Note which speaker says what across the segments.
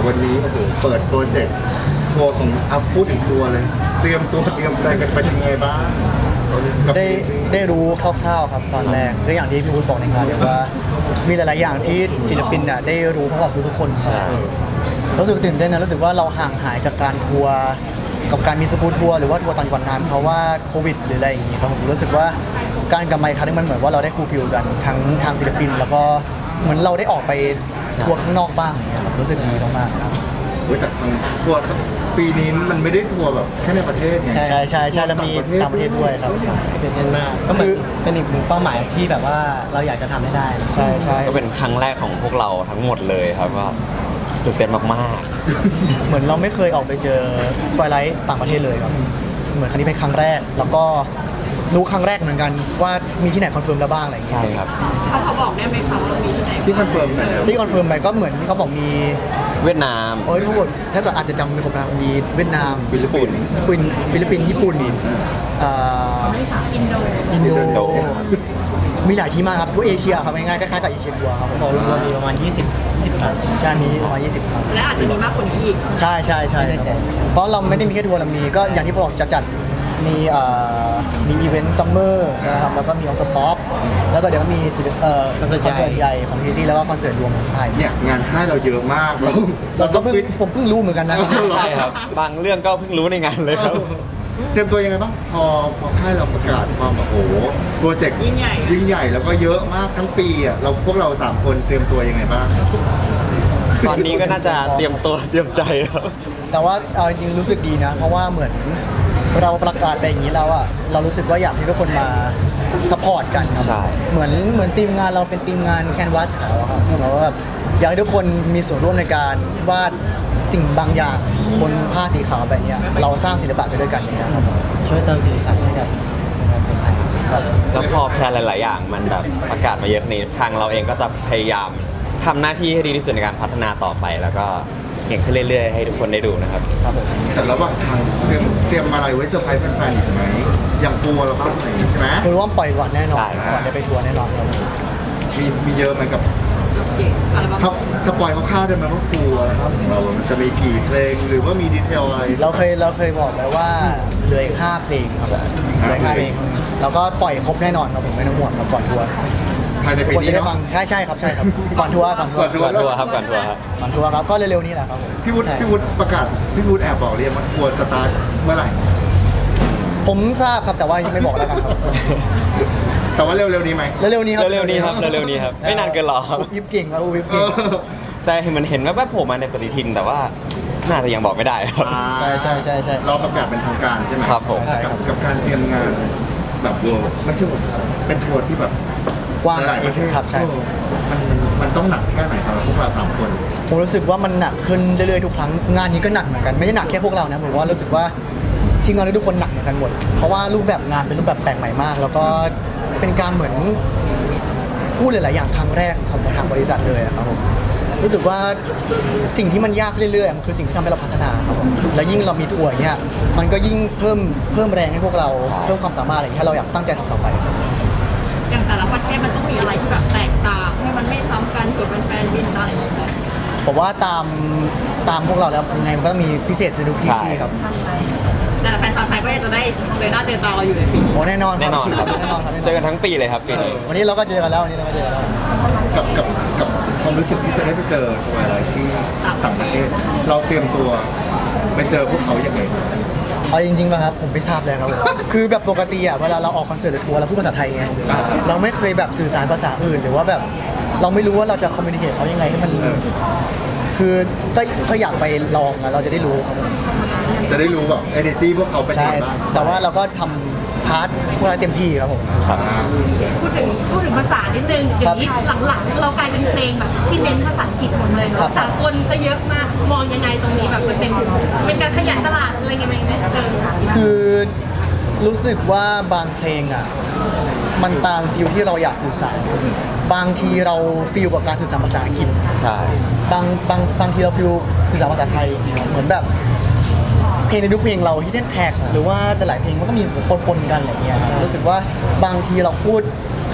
Speaker 1: วันนี้โอ้โหเปิดโปรเจกต์ทัวร์ของอัพพูดถึงทัวร์เลยเตรียมตัวเตรียมใจกันไปยังไงบ้างกับ
Speaker 2: ได้รู้คร่าวๆครับตอนแรกก็อย่างที่พี่วุฒิบอกในงานเลยว่ามีหลายๆอย่างที่ศิลปินน่ะได้รู้พร้อมกับทุกๆคนรู้สึกตื่นเต้นนะรู้สึกว่าเราห่างหายจากการทัวร์กับการมีสกู๊ตทัวร์หรือว่าทัวร์ต่างจังหวัดนานเพราะว่าโควิดหรืออะไรอย่างงี้ครับผมรู้สึกว่าการกลับมาอีกครั้งนึงมันเหมือนว่าเราได้ฟูลฟิลกันทั้งทางศิลปินแล้วก็เหมือนเราได้ออกไปทัวร์ข้างนอกบ้างอย่างเงี้ยครับรู้สึกดีมากๆครับ
Speaker 1: แต่ทางทัวร์ปีนี้มันไม่ได้ทัวร์แบบแค่ในประเทศไง
Speaker 2: ใช่แล้วมีต่างประเทศด้วยครับใช่
Speaker 3: ตื่นเต้นมากก็เหมือนเป็นอีกหนึ่งเป้าหมายที่แบบว่าเราอยากจะทำให้ได้
Speaker 2: ใช่
Speaker 4: ก็เป็นครั้งแรกของพวกเราทั้งหมดเลยครับว่าตื่นเต้นมาก
Speaker 2: เหมือนเราไม่เคยออกไปเจอไฟไลท์ต่างประเทศเลยครับเหมือนครั้งนี้เป็นครั้งแรกแล้วก็รู้ครั้งแรกเหมือนกันว่ามีที่ไหนคอนเฟิร์มแล้วบ้างอะไรอย่าง
Speaker 4: ๆ
Speaker 2: เงี้ย
Speaker 4: ใช่ครับ
Speaker 5: เขาบอกได้ไหมคะว่าเรามีที่ไหน
Speaker 1: ที่คอนเฟิร์มไปแล้ว
Speaker 2: ที่คอนเฟิร์มไปก็เหมือนที่เขาบอกมี
Speaker 4: เวียดนาม
Speaker 2: ทั้งหมดถ้าเกิดอาจจะจำไม่ครบนะมีเวียดนาม
Speaker 1: ฟิลิปปินส์
Speaker 2: ฟิลิปปินส์ญี่ปุ่นอ่า
Speaker 5: อินโด
Speaker 2: อิน
Speaker 4: อิน
Speaker 2: โด
Speaker 4: โด
Speaker 2: มีหลายที่มากครับทั่วเอเชียครับง่ายๆคล้ายๆกับเอเชียทัวร์ครับผม
Speaker 3: บอกเรามีประมาณ20ครั้ง
Speaker 2: ใช่มีประมาณ20 ครั้ง
Speaker 5: และอาจจะมีมากกว่านี้อีก
Speaker 2: ใช่ครับเพราะเราไม่ได้มีแค่ทัวร์เรามีก็อย่างที่บอกจะจัดมีอีเวนต์ซัมเมอร์นะครับแล้วก็มีออโตป๊อปแล้วก็เดี๋ยวก็มีคอนเสิร์ตใหญ่ของทีที่แล้วก็คอนเสิร์ตรวมของค่าย
Speaker 1: เนี่ยงานค่ายเราเยอะมากเรา
Speaker 2: ก็
Speaker 1: ต้องฟิต
Speaker 2: ผมเพิ่งรู้เหมือนกันนะ
Speaker 4: ใช่ครับ บางเรื่องก็เพิ่งรู้ในงานเลยครับ
Speaker 1: เตรียมตัวยังไงบ้างพอค่ายเราประกาศความโอ้โหโปรเจกต์
Speaker 5: ยิ่งใหญ่
Speaker 1: ยิ่งใหญ่แล้วก็เยอะมากทั้งปีอ่ะพวกเรา3คนเตรียมตัวยังไงบ้าง
Speaker 4: ตอนนี้ก็น่าจะเตรียมตัวเตรียมใจครับ
Speaker 2: แต่ว่าเอาจริงๆรู้สึกดีนะ เพราะว่าเหมือนเราประกาศไปอย่างนี้แล้วอะเรารู้สึกว่าอยากให้ทุกคนมาสปอร์ตกันครับ
Speaker 4: ใช่
Speaker 2: เหมือนทีมงานเราเป็นทีมงานแคนวาสขาวอะครับคือหมายว่าแบบอยากให้ทุกคนมีส่วนร่วมในการวาดสิ่งบางอย่างบนผ้าสีขาวแบบเนี้ยเราสร้างศิลปะไปด้วยกันอย่างเงี้ยครับผม
Speaker 3: ช่วยเติมสีสันให้กับคนไทย
Speaker 2: ครับ
Speaker 4: แล้วพอแพลนหลาย ๆ อย่างมันแบบประกาศมาเยอะขนาดนี้ทางเราเองก็จะพยายามทำหน้าที่ให้ดีที่สุดในการพัฒนาต่อไป แล้วก็เก่งขึ้นเรื่อย ๆ ให้ทุกคนได้ดูนะครับ
Speaker 2: ครับผม
Speaker 1: แต่ระหว่างทางเตรียมอะไรไว้เซอร์ไพรส์แฟนๆอีกไหมอย่างทัวร์เราบ้างอะไรอย่างงี้ใช่ไหม
Speaker 2: คือว่าปล่อยก่อนแน่นอน
Speaker 4: ใช่
Speaker 2: ก่อนจะไปทัวร์แน่นอนครับ
Speaker 1: มีเยอะไหมกับ
Speaker 5: อัลบั้ม
Speaker 1: ครับสปอยคร่าวๆได้ไหมว่าทัวร์ครับของเรามันจะมีกี่เพลงหรือว่ามีดีเทลอะไร
Speaker 2: เราเคยบอกไว้ว่าเหลืออีก5เพลงครับเหลืออีก5เพลงแล้วก็ปล่อยครบแน่นอนครับผมไม่ต้องห่วงครับก่อนทัวร์
Speaker 1: ภายใน
Speaker 2: ทุ
Speaker 1: ปี
Speaker 2: กคน
Speaker 1: นี้
Speaker 2: จะได้ฟั
Speaker 1: เนาะ
Speaker 2: งใช่ครับก่อนทัวร์
Speaker 4: ก่อนทัวร์ครับก่อนทัวร์ครับ
Speaker 2: ก่อนทัวร์ครับก็เร็วๆนี้แหละครับผม
Speaker 1: พี่วุฒิประกาศพี่วุฒิแอบบอกเรียนว่าทัวร์สตาร์ทเมื่อไหร่
Speaker 2: ผมทราบครับแต่ว่ายังไม่บอกแล้วกันครับ
Speaker 1: แต่ว่าเร็วๆนี้ไหม
Speaker 2: เร็วๆนี้ครับ
Speaker 4: เร็วๆนี้ครับเร็วๆนี้ครับไม่นานเกินหรอกครับ
Speaker 2: วิบเก่งแล้ววิบ
Speaker 1: เอ
Speaker 2: เก่ง
Speaker 1: อ
Speaker 4: แต่เห็นมันเห็นแวบๆโผล่มาในปฏิทินแต่ว่าน่าจะยังบอกไม่ได้ครับ
Speaker 2: ใช่
Speaker 1: เราประกาศเป็นทางการใช่ไหม
Speaker 4: ครับผม
Speaker 2: ใช่ครับ
Speaker 1: กับการเตรียมงานแบบเวิร์ไม่ใช่แบบเป็นทัวร์ที่แบบ
Speaker 2: กว้าง
Speaker 1: หลายๆประเทศ
Speaker 2: ครับใช่
Speaker 1: มันต้องหนักแค่ไหนสำหรับพวกเรา3 คน
Speaker 2: ผมรู้สึกว่ามันหนักขึ้นเรื่อยๆทุกครั้งงานนี้ก็หนักเหมือนกันไม่ได้หนักแค่พวกเรานะผมว่ารู้สึกว่าทีมงานทุกคนหนักเหมือนกันหมดเพราะว่ารูปแบบงานเป็นรูปแบบแปลกใหม่มาก แล้วก็เป็นการเหมือนพูดหลายๆอย่างครั้งแรกของทางบริษัทเลยอะครับผมรู้สึกว่าสิ่งที่มันยากเรื่อยๆมันคือสิ่งที่ทำให้เราพัฒนาครับผมและยิ่งเรามีทัวร์อย่างเงี้ยมันก็ยิ่งเพิ่มแรงให้พวกเราเพิ่มความสามารถอะไรอย่างเงี้ยให้เราอยากตั้งใจทำต่อไป
Speaker 5: อย่างแต่ละประเทศมันต้องมีอะไรที่แบบแตกต่างให้มันไม่ซ้ำกันเกิดเป็นแฟนบินอะไรอย่างเงี้ย
Speaker 2: ผมว่าตามพวกเราแล้วยังไงมันก็ต้องมีพิเศษในทุกที่ครับ
Speaker 5: แต่แฟนชาวไทยก็ยังจะได้เจอหน้าเจอตาเราอยู่ในปี
Speaker 2: โอ้แน่นอน
Speaker 4: แน่นอนครับ
Speaker 2: แน่นอนครับ
Speaker 4: เจอกันทั้งปีเลยครับปีนี้
Speaker 2: วันนี้เราก็เจอกันแล้ววันนี้เราก็เจอกันแล้ว
Speaker 1: กับความรู้สึกที่จะได้ไปเจอทัวร์อะไรที่ต่างประเทศ เราเตรียมตัวไปเจอพวกเขาอย่างไร
Speaker 2: เอาจริงๆป่ะครับผมไม่ทราบเลยครับผมคือแบบปกติอ่ะเวลาเราออกคอนเสิร์ตหรือทัวร์เราพูดภาษาไทยไงเราไม่เคยแบบสื่อสารภาษาอื่นหรือว่าแบบเราไม่รู้ว่าเราจะคอมมิวนิเคชเขายังไงให้มันคือก็อยากไปลองอะเราจะได้รู้ครับผม
Speaker 1: จะได้รู้แบบ energy พวกเขาเป็นยัง
Speaker 2: ใช่
Speaker 1: ไงบ้าง
Speaker 2: แต่ว่าเราก็ทำพาร์ทพวกเราเต็มที่ครับผม
Speaker 4: ครับ
Speaker 5: พูดถึงภาษานิดนึงเดี๋ยวนี้หลังๆเรากลายเป็นเพลงแบบที่เน้นภาษาอังกฤษหมดเลยเนาะสากลซะเยอะมากมองยังไงตรงนี้แบบมันเป็นการขยายตลาดอะไรยังไงไหมค่ะ
Speaker 2: คือรู้สึกว่าบางเพลงอ่ะมันตามฟิลที่เราอยากสื่อสารบางทีเราฟิลกับการสื่อสารภาษาอังกฤษ
Speaker 4: ใช่
Speaker 2: บางทีเราฟิลสื่อสารภาษาไทยเหมือนแบบเพลงในทุกเพลงเราที่แท็กหรือว่าแต่หลายเพลงมันก็มีปนๆกันอะไรเงี้ยครับรู้สึกว่าบางทีเราพูด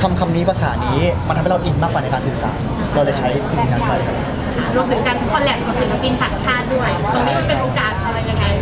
Speaker 2: คำนี้ภาษานี้มันทำให้เราอินมากกว่าในการสื่อสารเราเลยใช้สิ่งนั้นไปครับ
Speaker 5: รวมถึงการคอลแลบกับศิลปินต่างชาติด้วยตรงนี้มันเป็นโอกาสอะไรยังไง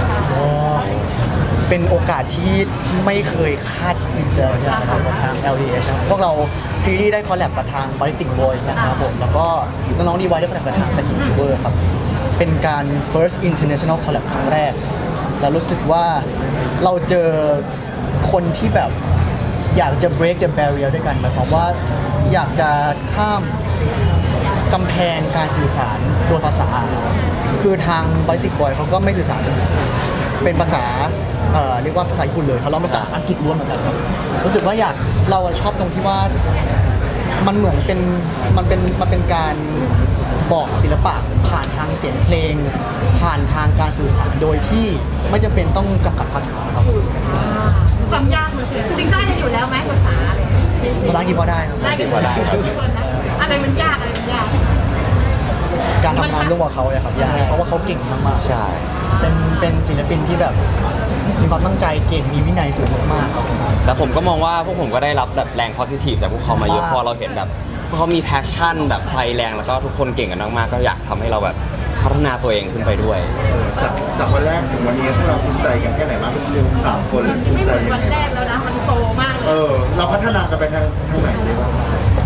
Speaker 2: เป็นโอกาสที่ไม่เคยคาดคิดเลยนะครับกับทาง LDH นะครับพวกเราฟีรี่ได้คอลแลบกับทาง Ballistic Boys นะครับผมแล้วก็น้องๆดีไวได้คอลแลบกับทาง Skin Fever ครับเป็นการ first international collab ครั้งแรกแล้วรู้สึกว่าเราเจอคนที่แบบอยากจะ break the barrier ด้วยกันหมายความว่าอยากจะข้ามกำแพงการสื่อสารโดยภาษา คือทาง Basic Boy เขาก็ไม่สื่อสารเป็นภาษาเรียกว่าภาษาญี่ปุ่นเลยเขาเล่าภาษาอังกฤษล้วนเหมือนกันครับรู้สึกว่าเราชอบตรงที่ว่ามันเหมือนเป็นมันเป็นการบอกศิลปะผ่านทางเสียงเพลง ผ่านทางการสื่อสารโดยที่ไม่จำเป็นต้องจำกัดภาษาครับ
Speaker 5: ความยากมันคือจริงๆได้กันอยู่แล้วไหมภาษาอะไร
Speaker 2: ภาษาอังกฤษพอได้ครับ
Speaker 5: ได้กันอยู่แล้วอะไรมันยากอะไรมันยาก
Speaker 2: การทำงานร่วมกับเขาเลยครับยากเพราะว่าเขาเก่งมากๆ
Speaker 4: ใช่
Speaker 2: เป็นศิลปินที่แบบมีความตั้งใจเก่งมีวินัยสูงมากๆครับ
Speaker 4: แต่ผมก็มองว่าพวกผมก็ได้รับแบบแรง positive จากพวกเขามาเยอะเพราะเราเห็นแบบพวกเขามี passion แบบไฟแรงแล้วก็ทุกคนเก่งกันมากๆก็อยากทำให้เราแบบพัฒนาตัวเองขึ้นไปด้วย
Speaker 1: จากวันแรกถึงวันนี้พวกเราภูมิใจกันแค่ไหนบ้างสามคนภู
Speaker 5: ไม่
Speaker 1: มิ
Speaker 5: เห
Speaker 1: ใจ
Speaker 5: มือน
Speaker 1: ยัง
Speaker 5: วัน
Speaker 1: ไง
Speaker 5: แรกแล้วนะมันโตมากเลย
Speaker 1: เราพัฒนากันไปทางไหนดีบ้าง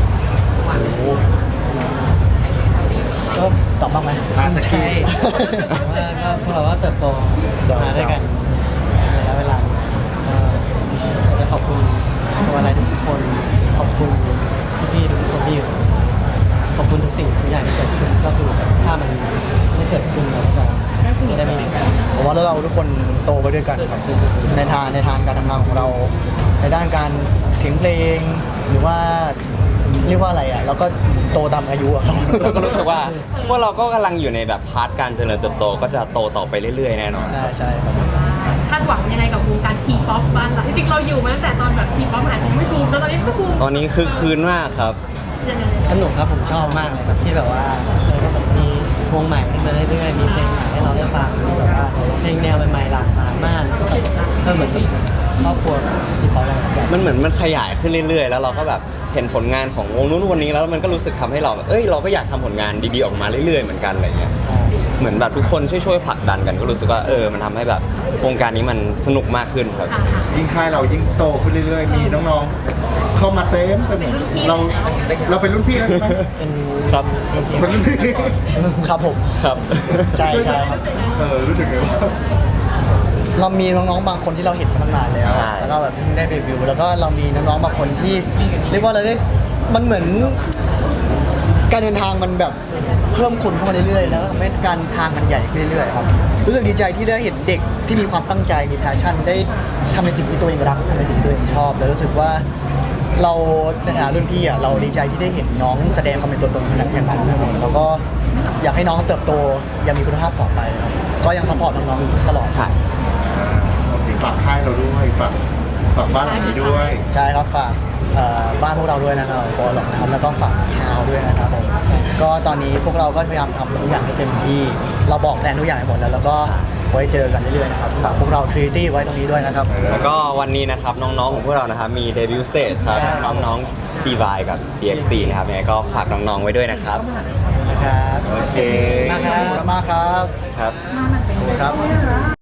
Speaker 2: ก็ตอบบ้างไหม
Speaker 1: อาจจะคิด
Speaker 3: ใช่ว่าก็พวกเราก็เติบโตมาด้วยกันในระยะเวลาก็จะขอบคุณตัวอะไรทุกคนขอบคุณพี่ๆทุกคนที่อยู่ขอบคุณทุกสิ่งทุกอย่างที่เกิดขึ้นก็คือถ้ามันไม่เกิดขึ้นเราก็จะไม่ได้ไม่มีกัน
Speaker 2: ผมว่าแล้วเราทุกคนโตไปด้วยกันครับในทางการทำงานของเรา ในด้านการเขียนเพลง หรือว่าเรียกว่าอะไรอ่ะเราก็โตตามอายุอะครับ
Speaker 4: เราก็รู้สึกว่าพวกเราก็กำลังอยู่ในแบบพาร์ทการเจริญเติบโตก็จะโตต่อไปเรื่อยๆแน่นอน
Speaker 2: ใช่ครับ
Speaker 5: คาดหวังยังไงกับวงการทีป๊อปบ้านเราจริงๆเราอยู่มาตั้งแต่ตอนแบบทีป๊อปอาจจะไม่บูมแล้วตอนนี้ก็บูม
Speaker 4: ตอนนี้คือคืนมากครับ
Speaker 5: ยังไง
Speaker 3: สนุกครับผมชอบมากเลยครับที่แบบว่าแบบมีวงใหม่ขึ้นมาเรื่อยๆมีเพลงใหม่ให้เราได้ฟังมีแบบว่าเพลงแนวใหม่ๆหลากหลายมากก็เหมือนกับครอบครัวที่เขาแบบ
Speaker 4: มันเหมือนมันขยายขึ้นเรื่อยๆ แล้วเราก็แบบเห็นผลงานของวงนู้นวันนี้แล้วมันก็รู้สึกทำให้เราแบบเราก็อยากทำผลงานดีๆออกมาเรื่อยๆเหมือนกันอะไรเงี้ยเหมือนแบบทุกคนช่วยๆผลักดันกันก็รู้สึกว่ามันทำให้แบบวงการนี้มันสนุกมากขึ้นครับ
Speaker 1: ยิ่งค่ายเรายิ่งโตขึ้นเรื่อยๆ มีน้องๆ เข้ามาเต็มไปหมดเราเป็นรุ่นพี่แล้วใช่ไหม
Speaker 3: เป็น
Speaker 4: ครับ
Speaker 1: เป็นรุ่นพี่
Speaker 2: ครับผม
Speaker 4: ครับ
Speaker 2: ใช่ใช่ครับ
Speaker 1: รู้สึกไงว่า
Speaker 2: เรามีน้องๆบางคนที่เราเห็นมาตั้งนานแล้ว
Speaker 4: ใช่
Speaker 2: แล้วก็แบบเพิ่งได้เดบิวต์แล้วก็เรามีน้องๆบางคนที่เรียกว่าเราได้มันเหมือนการเดินทางมันแบบเพิ่มคนเข้ามาเรื่อยๆแล้วทำให้การทางมันใหญ่ขึ้นเรื่อยๆครับรู้สึกดีใจที่ได้เห็นเด็กที่มีความตั้งใจมีแพชชั่นได้ทำในสิ่งที่ตัวเองรักทำในสิ่งที่ตัวเองชอบแล้วรู้สึกว่าเราในฐานะรุ่นพี่อ่ะเราดีใจที่ได้เห็นน้องแสดงความเป็นตัวตนอย่างนั้นแล้วก็อยากให้น้องเติบโตอย่างมีคุณภาพต่อไปครับก็ยังซัพพอร์ตน้องๆตลอด
Speaker 4: ใช่
Speaker 1: ฝากค่ายเราด้วยฝากบ้านหลังนี้ด้วย
Speaker 2: ใช่ครับฝากบ้านพวกเราด้วยนะครับฟอลล็อกนะครับแล้วก็ฝากคาวด้วยนะครับผมก็ตอนนี้พวกเราก็พยายามทำทุกอย่างให้เต็มที่เราบอกแผนทุกอย่างไปหมดแล้วแล้วก็ไว้เจอกันเรื่อยๆนะครับฝากพวกเราทรีตี้ไว้ตรงนี้ด้วยนะครับ
Speaker 4: แล้วก็วันนี้นะครับน้องๆของพวกเรานะครับมีเดบิวต์สเตจครับ
Speaker 2: ใช่
Speaker 4: น้องๆ DY กับ DXT นะครับยังไงก็ฝากน้องๆไว้ด้วยนะครับ
Speaker 2: ครับ
Speaker 1: โอเค
Speaker 2: ขอบคุณมากครับ
Speaker 4: ครับ
Speaker 2: ครับ